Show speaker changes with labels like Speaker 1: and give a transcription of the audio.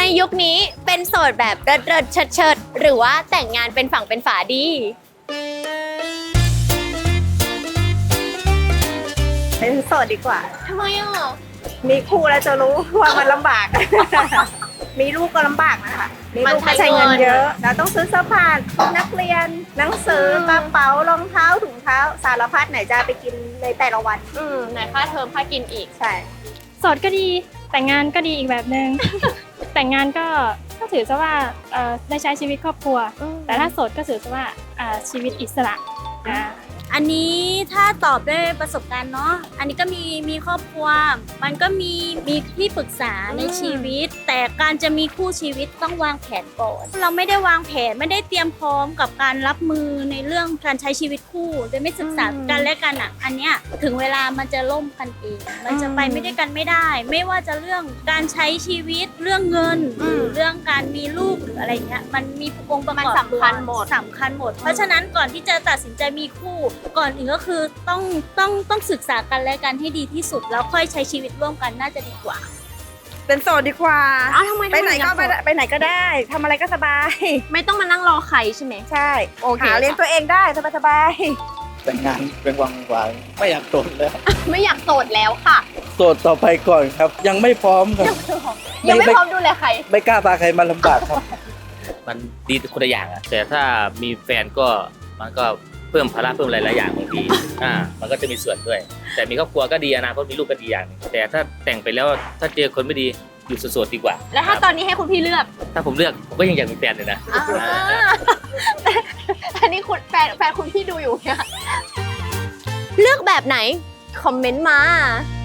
Speaker 1: ยุคนี้เป็นโสดแบบเริดเชิดหรือว่าแต่งงานเป็นฝั่งเป็นฝาดี
Speaker 2: เป็นโสดดีกว่า
Speaker 1: ทำไมอ่ะ
Speaker 2: มีคู่แล้วจะรู้ว่ามันลำบาก มีลูกก็ลำบากนะคะ มีลูกก็ใช้เงินเยอะ เราต้องซื้อเสื้อผ้านักเรียน หนังสือกระเป๋ารองเท้าถุงเท้า สารพัดไหนจะไปกินในแต่ละวัน
Speaker 1: ไหนค่าเทอมค่ากินอีก
Speaker 2: ใช่
Speaker 3: โสดก็ดีแต่งงานก็ดีอีกแบบหนึ่ง แต่งงานก็ถือซะว่าได้ใช้ชีวิตครอบครัว แต่ถ้าโสดก็ถือซะว่าชีวิตอิสระ
Speaker 4: อันนี้ถ้าตอบด้วยประสบการณ์เนาะ อันนี้ก็มีครอบครัว มันก็มีที่ปรึกษาในชีวิต แต่การจะมีคู่ชีวิตต้องวางแผนก่อน เราไม่ได้วางแผนไม่ได้เตรียมพร้อมกับการรับมือในเรื่องการใช้ชีวิตคู่โดยไม่ศึกษากันและกันอ่ะ อันเนี้ยถึงเวลามันจะล่มกันเอง มันจะไปไม่ได้กันไม่ได้ ไม่ว่าจะเรื่องการใช้ชีวิตเรื่องเงินหรือเรื่องการมีลูกหรืออะไรเงี้ยมันมีองค์ประกอบ
Speaker 1: มันสำคัญหมด
Speaker 4: สำคัญหมด เพราะฉะนั้นก่อนที่จะตัดสินใจมีคู่ก่อนอื่นก็คือต้องศึกษากันและกันให้ดีที่สุดแล้วค่อยใช้ชีวิตร่วมกันน่าจะดีกว่า
Speaker 2: เป็นโสดดีกว่า
Speaker 1: ทำไม
Speaker 2: ไปไหนก็ไปไหนก็ได้ทำอะไรก็สบาย
Speaker 1: ไม่ต้องมานั่งรอใครใช่ไหม
Speaker 2: ใช่
Speaker 1: โอเค
Speaker 2: หาเลี้ยงตัวเองได้สบาย
Speaker 5: แต่งงานเป็นวังวายไม่อยากโสดแล้ว
Speaker 1: ไม่อยากโสดแล้วค่ะ
Speaker 5: โสดต่อไปก่อนครับ ยังไม่พร้อมครับ
Speaker 1: ยังไม่พร้อมดูแลใคร
Speaker 5: ไม่กล้าพาใครมาลำบากครับ
Speaker 6: มันดีคนละอย่างอะแต่ถ้ามีแฟนก็มันก็เพิ่มภาระเพิ่มหลายๆอย่างบางทีมันก็จะมีส่วนด้วย แต่มีครอบครัวก็ดีอนาคตมีลูกก็ดีอย่างหนึงแต่ถ้าแต่งไปแล้วถ้าเจอคนไม่ดีอยู่โสดๆดีกว่า
Speaker 1: แล้วถ้าตอนนี้ให้คุณพี่เลือก
Speaker 6: ถ้าผมเลือกผมก็ยังอยากมีแฟนเลยนะ
Speaker 1: อันนี้คุณแฟนคุณพี่ดูอยู่เนี่ยเลือกแบบไหน คอมเมนต์มา